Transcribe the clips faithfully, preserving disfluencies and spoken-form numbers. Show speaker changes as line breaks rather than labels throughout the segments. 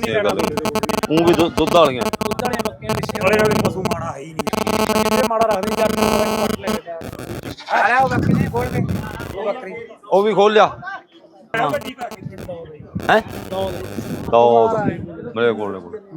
ਇਹ ਗੱਲ ਉਹ ਵੀ ਦੁੱਧ ਵਾਲੀਆਂ
ਦੁੱਧ ਵਾਲੀਆਂ ਬੱਕੀਆਂ ਪਿੱਛੇ ਵਾਲੇ ਨਾਲ ਪਸ਼ੂ ਮਾੜਾ ਹੈ ਹੀ ਨਹੀਂ ਕਿਤੇ ਮਾੜਾ ਰੱਖਦੇ ਜੱਟ ਨੂੰ ਪੱਟ ਲੈ ਕੇ ਆ ਲੈ ਉਹ ਬੱਕਰੀ ਨਹੀਂ ਖੋਲ ਕੇ ਉਹ ਬੱਕਰੀ
ਉਹ ਵੀ ਖੋਲ ਲਿਆ ਹੈ ਦੋ ਮੇਰੇ ਕੋਲ ਨੇ ਕੋਲ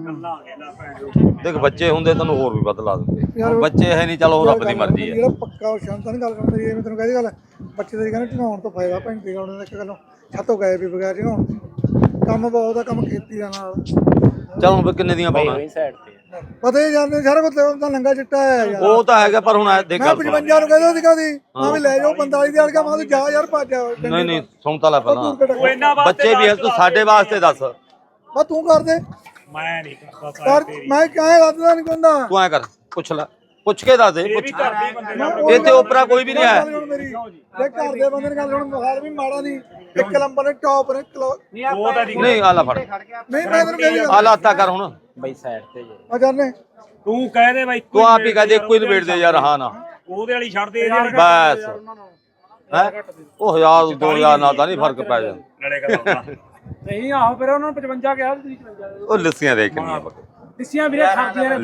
ਦੇਖ ਬੱਚੇ ਹੁੰਦੇ ਤੈਨੂੰ ਹੋਰ ਵੀ ਬਦਲਾ ਦਿੰਦੇ ਬੱਚੇ ਹੈ ਨਹੀਂ ਚਲੋ ਰੱਬ ਦੀ ਮਰਜ਼ੀ ਹੈ
ਜਿਹੜਾ ਪੱਕਾ ਸ਼ਾਂਤਾਂ ਨਹੀਂ ਗੱਲ ਕਰਦਾ ਜੀ ਮੈਂ ਤੈਨੂੰ ਕਹਿੰਦੀ ਗੱਲ ਬੱਚੇ ਦੇ ਕਹਿੰਦੇ ਢਿਆਉਣ ਤੋਂ ਫਾਇਦਾ ਭੈਂਤੀ ਗਾਉਣ ਦਾ ਇੱਕ ਗੱਲੋਂ ਛੱਤੋਂ ਗਏ ਵੀ ਬਗੈਰ ਢਿਆਉਣ ਕੰਮ ਬਹੁਤ ਆ ਕੰਮ ਖੇਤੀ ਦਾ ਨਾਲ
ਚੱਲ ਹੁਣ ਕਿੰਨੇ ਦੀਆਂ ਪਾਉਣਾ
ਪਤਾ ਹੀ ਜਾਂਦੇ ਸਾਰਾ ਕੁਝ ਤਾਂ ਲੰਗਾ ਚਿੱਟਾ ਹੈ ਯਾਰ
ਉਹ ਤਾਂ ਹੈਗਾ ਪਰ ਹੁਣ ਦੇਖ
ਮੈਂ ਪਚਵੰਜਾ ਨੂੰ ਕਹਿੰਦਾ ਸੀ ਕਦੀ ਮੈਂ ਵੀ ਲੈ ਜਾਓ ਪੰਤਾਲੀ ਦੀ ਅੜਕਾ ਮੈਂ ਜਾ ਯਾਰ ਭੱਜ
ਨਹੀਂ ਨਹੀਂ ਸੁਣ ਤਾਂ ਲੈ ਪਹਿਲਾਂ ਬੱਚੇ ਵੀ ਤੂੰ ਸਾਡੇ ਵਾਸਤੇ ਦੱਸ
ਬਸ ਤੂੰ ਕਰ ਦੇ
ਮੈਂ ਨਹੀਂ ਕਰਦਾ
ਮੈਂ ਕਹਾਂ ਰੱਦਦਾ ਨਹੀਂ ਕਹਿੰਦਾ
ਤੂੰ ਐ ਕਰ ਪੁੱਛ ਲੈ ਪੁੱਛ ਕੇ ਦੱਸ ਦੇ ਇਹ ਤੇ ਉਪਰਾ ਕੋਈ ਵੀ ਨਹੀਂ ਹੈ
ਜੇ ਘਰ ਦੇ ਬੰਦੇ ਨੇ ਗੱਲ ਹੁਣ ਮੁਖਾਰ ਵੀ ਮਾੜਾ ਨਹੀਂ ਇੱਕ ਨੰਬਰ ਨੇ ਟੌਪ ਨੇ
ਨਹੀਂ ਆਲਾ ਫੜ
ਨਹੀਂ ਮੈਂ ਤੈਨੂੰ ਕਹਿੰਦੀ
ਆਲਾ ਹੱਥਾ ਕਰ ਹੁਣ
ਬਈ ਸਾਈਡ ਤੇ ਜੇ
ਆ ਜਾਨੇ
ਤੂੰ ਕਹਿ ਦੇ ਬਾਈ
ਤੂੰ ਆਪ ਹੀ ਕਹਿ ਦੇ ਇੱਕੋ ਹੀ ਨਿਬੇੜ ਦੇ ਯਾਰ ਹਾਂ ਨਾ
ਉਹਦੇ ਵਾਲੀ ਛੱਡ ਦੇ
ਬਸ ਹੈ ਉਹ ਹਜ਼ਾਰ ਦੋ ਹਜ਼ਾਰ ਨਾਲ ਤਾਂ ਨਹੀਂ ਫਰਕ ਪੈ ਜਾਂਦਾ
ਲੜੇ ਕਰਦਾ ਨਹੀਂ ਆਹੋ ਫਿਰ ਉਹਨਾਂ ਨੂੰ ਪਚਵੰਜਾ ਕਿਹਾ ਤੁਸੀਂ ਪਚਵੰਜਾ
ਉਹ ਲੱਸੀਆਂ ਦੇਖ ਕਿੰਨੀਆਂ
ਲੱਸੀਆਂ ਵੀਰੇ ਖਾਂਦੀਆਂ ਨੇ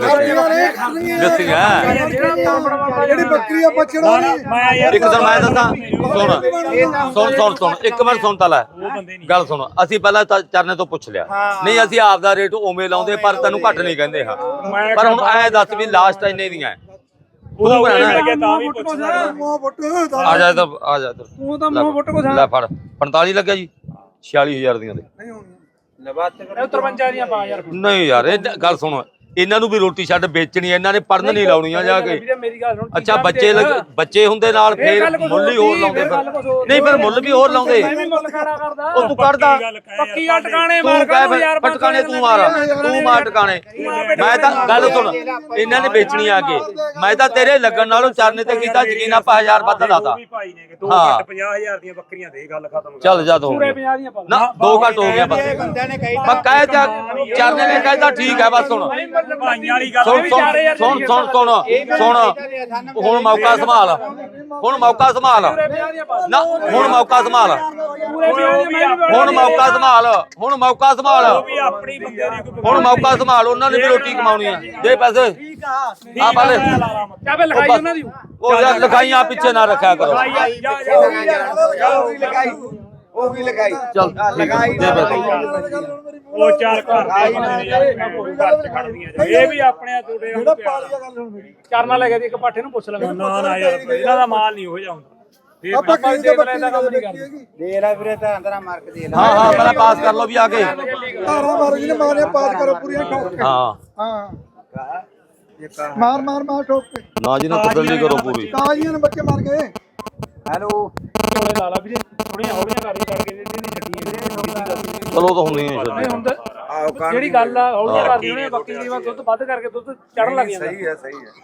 ਲੱਸੀਆਂ
ਜਿਹੜੀ ਬੱਕਰੀ ਆ ਪਛੜਾ
ਮੈਂ ਯਾਰ
ਇੱਕ ਦਿਨ ਮੈਂ ਦੱਸਾਂ ਸੁਣ ਸੁਣ ਸੁਣ ਸੁਣ ਇੱਕ ਮਿੰਟ ਸੁਣ ਤਾਂ ਲੈ ਗੱਲ ਸੁਣ ਅਸੀਂ ਪਹਿਲਾਂ ਤਾਂ ਚਰਨੇ ਤੋਂ ਪੁੱਛ ਲਿਆ ਨਹੀਂ ਅਸੀਂ ਆਪ ਦਾ ਰੇਟ ਉਵੇਂ ਲਾਉਂਦੇ ਪਰ ਤੈਨੂੰ ਘੱਟ ਨਹੀਂ ਕਹਿੰਦੇ ਹਾਂ ਪਰ ਹੁਣ ਐ ਦੱਸ ਵੀ ਲਾਸਟ ਇੰਨੇ ਦੀਆਂ ਤੂੰ ਕਹਿਣਾ
ਤਾਂ ਵੀ ਪੁੱਛਦਾ
ਮੂੰਹ ਫੁੱਟ
ਆ ਜਾ ਇੱਧਰ ਆ ਜਾ ਇੱਧਰ
ਤੂੰ ਤਾਂ ਮੂੰਹ ਫੁੱਟ ਕੋ
ਲੈ ਫੜ ਪੰਤਾਲੀ ਲੱਗਿਆ ਜੀ ਛਿਆਲੀ ਹਜ਼ਾਰ ਦੀਆਂ ਦੇ
ਨਹੀਂ ਹੋਣੀ
ਤਰਵੰਜਾ ਦੀਆਂ ਪਾ ਯਾਰ
ਨਹੀਂ ਯਾਰ ਇਹ ਗੱਲ ਸੁਣ ਇਹਨਾਂ ਨੂੰ ਵੀ ਰੋਟੀ ਛੱਡ ਵੇਚਣੀ ਇਹਨਾਂ ਨੇ ਪੜਨ ਨਹੀਂ ਲਾਉਣੀਆਂ ਜਾ ਕੇ
ਮੇਰੀ ਗੱਲ ਸੁਣ
ਅੱਛਾ ਬੱਚੇ ਬੱਚੇ ਹੁੰਦੇ ਨਾਲ ਫੇਰ ਮੁੱਲ ਹੀ ਹੋਰ ਲਾਉਂਦੇ ਫਿਰ ਨਹੀਂ ਫਿਰ ਮੁੱਲ ਵੀ ਹੋਰ ਲਾਉਂਦੇ ਉਹ ਤੂੰ ਕੱਢਦਾ
ਪੱਕੀ ਆ ਟਿਕਾਣੇ
ਤੂੰ
ਮਾਰ
ਕਹਿ
ਯਾਰ
ਟਿਕਾਣੇ ਤੂੰ ਮਾਰ ਤੂੰ ਮਾਰ ਟਿਕਾਣੇ ਮੈਂ ਤਾਂ ਗੱਲ ਸੁਣ ਇਹਨਾਂ ਨੇ ਵੇਚਣੀ ਆ ਕੇ ਮੈਂ ਤਾਂ ਤੇਰੇ ਲੱਗਣ ਨਾਲੋਂ ਚਰਨੇ ਤੇ ਕੀਤਾ ਯਕੀਨ ਆਪਾਂ ਹਜ਼ਾਰ ਵੱਧ ਲਾਤਾ
ਹਾਂ ਪੰਜਾਹ ਹਜ਼ਾਰ ਦੀਆਂ ਬੱਕਰੀਆਂ ਦੇ ਗੱਲ ਖਤਮ
ਚੱਲ ਜਾ ਦੋ ਨਾ ਦੋ ਘੱਟ ਹੋ ਗਿਆ ਬਸ ਮੈਂ ਕਹਿ ਚਰਨੇ ਨੇ ਕਹਿਤਾ ਠੀਕ ਹੈ ਬਸ ਸੁਣ
ਭਾਈਆਂ ਵਾਲੀ ਗੱਲ
ਸੁਣ ਸੁਣ ਸੁਣ ਸੁਣ ਸੁਣ ਹੁਣ ਮੌਕਾ ਸੰਭਾਲ ਹੁਣ ਮੌਕਾ ਸੰਭਾਲ ਨਾ ਹੁਣ ਮੌਕਾ ਸੰਭਾਲ ਹੁਣ ਮੌਕਾ ਸੰਭਾਲ ਹੁਣ ਮੌਕਾ ਸੰਭਾਲ ਹੁਣ ਮੌਕਾ ਸੰਭਾਲ ਉਹਨਾਂ ਨੇ ਵੀ ਰੋਟੀ ਕਮਾਉਣੀ ਆ ਦੇ ਪੈਸੇ ਆ ਪਾਲੇ
ਚਾਬੇ ਲਗਾਈ ਉਹਨਾਂ ਦੀ
ਉਹ ਯਾਰ ਲਿਖਾਈਆਂ ਪਿੱਛੇ ਨਾ ਰੱਖਿਆ ਕਰੋ
ਉਹ ਵੀ ਲਗਾਈ
ਚੱਲ ਲਗਾਈ ਦੇ ਪੈਸੇ
ਉਹ ਚਾਰ ਘਰ ਦੇ ਘਰ ਚ ਖੜਦੀਆਂ ਇਹ ਵੀ ਆਪਣੇ ਤੁਹਾਡੇ
ਜਿਹੜਾ ਪਾਲੀ ਆ ਗੱਲ ਹੁਣ ਮੇਰੀ
ਚਰਨਾ ਲੈ ਕੇ ਇੱਕ ਪਾਠੇ ਨੂੰ ਪੁੱਛ ਲੈਣਾ ਨਾ ਨਾ ਯਾਰ ਇਹਨਾਂ ਦਾ ਮਾਲ ਨਹੀਂ ਹੋ ਜਾਂਦਾ
ਆਪਾਂ ਕਿਹੜੀ ਦੇ ਬੱਕਰੀ ਦਾ ਗੱਲ ਕੀਤੀ
ਦੇ ਲੈ ਵੀਰੇ ਤਾਂ ਅੰਦਰਾਂ ਮਾਰ ਕੇ ਦੇ ਲੈ
ਹਾਂ ਹਾਂ ਪਹਿਲਾਂ ਪਾਸ ਕਰ ਲਓ ਵੀ ਆ ਕੇ
ਧਾਰਾ ਮਾਰੋ ਜੀ ਨੇ ਮਾਰਿਆ ਪਾਸ ਕਰੋ ਪੂਰੀਆਂ ਠੋਕ ਕੇ
ਹਾਂ
ਹਾਂ ਮਾਰ ਮਾਰ ਮਾਰ ਠੋਕ ਕੇ
ਨਾ ਜੀ ਨਾ ਤਸੱਲੀ ਕਰੋ ਪੂਰੀ
ਤਾਜ਼ੀਆਂ ਨੇ ਬੱਚੇ ਮਾਰ ਗਏ
ਹੈਲੋ
ਥੋੜੇ ਲਾ ਲਾ ਵੀਰੇ ਥੋੜੀਆਂ ਹੌਲੀਆਂ ਕਰ ਛੱਡ ਕੇ ਜਿਹੜੀ ਛੱਡੀ
ਚਲੋ ਤਾਂ ਹੁੰਦੀਆਂ ਹੀ
ਨਹੀਂ ਹੁੰਦਾ ਜਿਹੜੀ ਗੱਲ ਆ ਹੌਲੀਆਂ ਕਰਦੀ ਉਹਨੇ ਬੱਕਰੀ ਦੀ ਵਾਰ ਦੁੱਧ ਵੱਧ ਕਰਕੇ ਦੁੱਧ ਚੜਨ ਲੱਗ ਜਾਂਦਾ
ਸਹੀ ਹੈ ਸਹੀ ਹੈ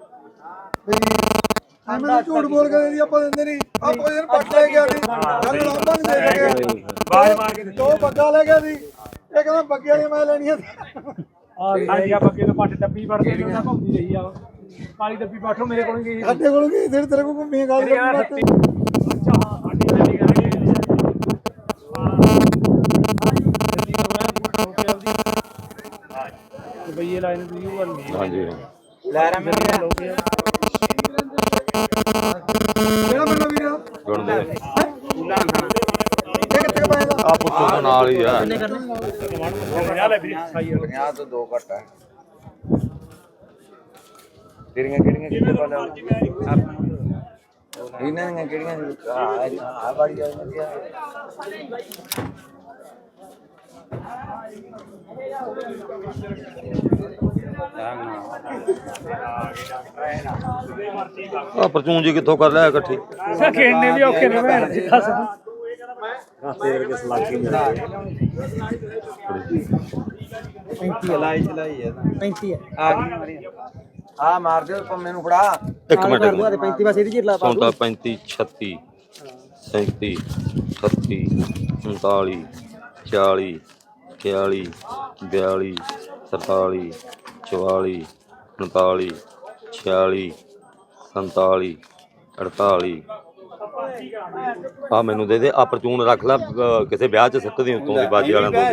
ਐਵੇਂ ਝੂਠ ਬੋਲ ਕੇ ਦੀ ਆਪਾਂ ਦਿੰਦੇ ਨਹੀਂ ਆਪਾਂ ਇਹਨੂੰ ਪੱਟ ਲੈ ਗਿਆ ਸੀ ਸਾਨੂੰ ਲਾਂਭਾ ਨਹੀਂ ਦੇ ਸਕਿਆ
ਬਾਜ ਮਾਰ ਕੇ
ਦੋ ਬੱਗਾ ਲੈ ਗਿਆ ਸੀ ਇਹ ਕਹਿੰਦਾ ਬੱਗੇ ਵਾਲੀ ਮੈਂ ਲੈਣੀ ਆ
ਆ ਗਿਆ ਬੱਕੇ ਤੋਂ ਪੱਟ ਡੱਬੀ ਵੜਦੇ ਨੇ ਉਹਨਾਂ ਘੁੰਮਦੀ ਰਹੀ ਆ ਕਾਲੀ ਡੱਬੀ ਪਾਠੋ ਮੇਰੇ ਕੋਲ ਗਈ
ਸਾਡੇ ਕੋਲ ਗਈ ਤੇਰੇ ਤੇਰੇ ਕੋਲ ਘੁੰਮੀ ਗੱਲ ਕਰਦੀ
ਅੱਛਾ ਹਾਂ ਸਾਡੀ ਜਿਹੜੀ ਗੱਲ ਹੈ ਬਈਏ ਲਾਈਨ ਦੀ ਯੂ ਵਾਲੀ
ਹਾਂਜੀ
ਲੈ ਰਾ ਮੇਰੇ
ਕਿਹੜਾ ਬੰਦਾ ਵੀਰ
ਗੁਣ ਦੇ
ਇਹ ਕਿੱਥੇ ਪਾਏਗਾ
ਆ ਪੁੱਤੋਂ ਦੇ ਨਾਲ ਹੀ ਆ
ਪੰਜਾਹ ਤੋਂ ਦੋ ਘੱਟ ਹੈ ਕਿਹੜੀਆਂ ਕਿਹੜੀਆਂ ਕਿੱਥੇ ਪਾ ਲਿਆ ਇਹਨਾਂ ਦੀਆਂ ਕਿਹੜੀਆਂ ਆ ਆ ਵਾਲੀ ਆ ਵਧੀਆ
ਆ ਪਰਚੂਨ ਜੀ ਕਿੱਥੋਂ ਕਰ ਲਿਆ ਇਕੱਠੀ
ਖੇਡਣੇ ਵੀ ਔਖੇ ਨੇ ਭੈਣ ਜੀ ਦੱਸ
ਪੈਂਤੀ ਲਾਈ ਚਲਾਈ ਹੈ
ਪੈਂਤੀ ਹੈ
ਆ ਗਈ ਆ ਮਾਰ ਦਿਓ ਪੰਮੇ ਨੂੰ ਫੜਾ
ਇੱਕ ਮਿੰਟ
ਪੈਂਤੀ ਬਸ ਇਹਦੀ ਜਿਰਲਾ
ਸੌਂਤਾ ਪੈਂਤੀ ਛੱਤੀ ਸੈਂਤੀ ਅਠੱਤੀ ਉਨਤਾਲੀ ਚਾਲੀ ਇਕਤਾਲੀ ਬਿਆਲੀ ਤਰਤਾਲੀ ਚੁਤਾਲੀ ਉਨਤਾਲੀ ਛਿਆਲੀ ਸੰਤਾਲੀ ਅਠਤਾਲੀ ਆ ਮੈਨੂੰ ਦੇ ਦੇ ਆ ਪਰਚੂਨ ਰੱਖ ਲੈ ਅਹ ਕਿਸੇ ਵਿਆਹ 'ਚ ਸਿੱਟ ਦੀ ਉੱਤੋਂ ਦੀ ਬਾਜੇ ਵਾਲਿਆਂ ਤੋਂ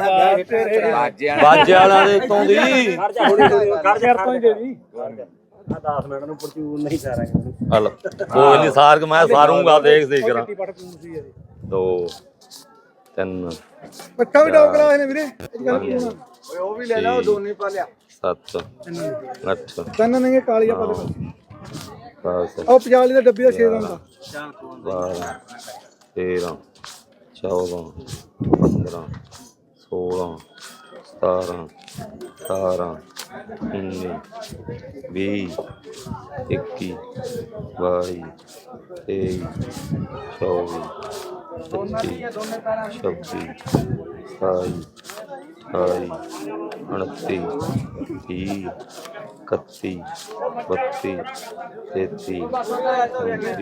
ਬਾਜੇ ਵਾਲਿਆਂ ਦੇ ਉੱਤੋਂ ਦੀ
ਕਰ ਜਾ ਤੋਂ ਹੀ ਦੇ ਦੀ ਆ ਦਸ ਮਿੰਟ ਨੂੰ ਪਰਚੂਨ ਨਹੀਂ ਸਾਰਾਂਗੇ
ਹਲ ਕੋਈ ਨਹੀਂ ਸਾਰ ਕੇ ਮੈਂ ਸਾਰੂੰਗਾ ਦੇਖ ਦੇਖ ਕਰਾਂ
ਪਟ ਪੂਨ ਸੀ ਇਹਦੀ
ਦੋ ਤਿੰਨ
ਪੱਠਾ ਵੀ ਡੌਗ ਕਰਾ ਨੇ ਵੀਰੇ ਇਹ ਗੱਲ ਕੀ ਹੋਣਾ
ਓਏ ਉਹ ਵੀ ਲੈ ਲਾ ਉਹ ਦੋਨੇ ਪਾ ਲਿਆ
ਸੱਤ ਅੱਠ
ਤਿੰਨ ਨਹੀਂ ਕਾਲੀਆ ਪਾ ਦੇ
ਦਸ
ਉਹ ਪੰਜਾਲੀ ਦਾ ਡੱਬੀ ਦਾ ਛੇ ਦਾ ਹੁੰਦਾ
ਬਾਰਾਂ ਤੇਰਾਂ ਚੌਦਾਂ ਪੰਦਰਾਂ ਸੋਲਾਂ ਸਤਾਰਾਂ ਅਠਾਰਾਂ ਉੱਨੀ ਵੀਹ ਇੱਕੀ ਬਾਈ ਤੇਈ ਚੌਵੀ ਪੱਚੀ ਛੱਬੀ ਸਤਾਈ ਅਠਾਈ ਉਨੱਤੀ ਵੀਹ ਇਕੱਤੀ ਬੱਤੀ ਤੇਤੀ ਚੌਂਤੀ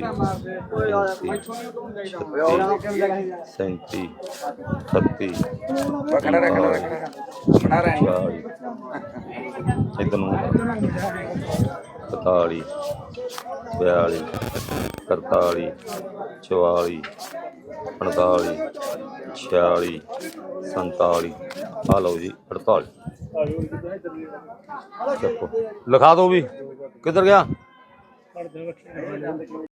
ਛੱਤੀ ਸੈਂਤੀ ਅਠੱਤੀ
ਖੜਾ ਰੱਖ ਖੜਾ ਰੱਖ ਖੜਾ ਰਹਿ
ਚਾਲੀ ਇੱਧਰ ਨੂੰ ਇਕਤਾਲੀ ਬਿਆਲੀ ਤਰਤਾਲੀ ਚੁਤਾਲੀ ਪੰਤਾਲੀ ਛਿਆਲੀ ਸੰਤਾਲੀ ਆ ਲਓ ਜੀ ਅੜਤਾਲੀ ਚੱਕੋ ਲਿਖਾ ਦਿਓ ਵੀ ਕਿੱਧਰ ਗਿਆ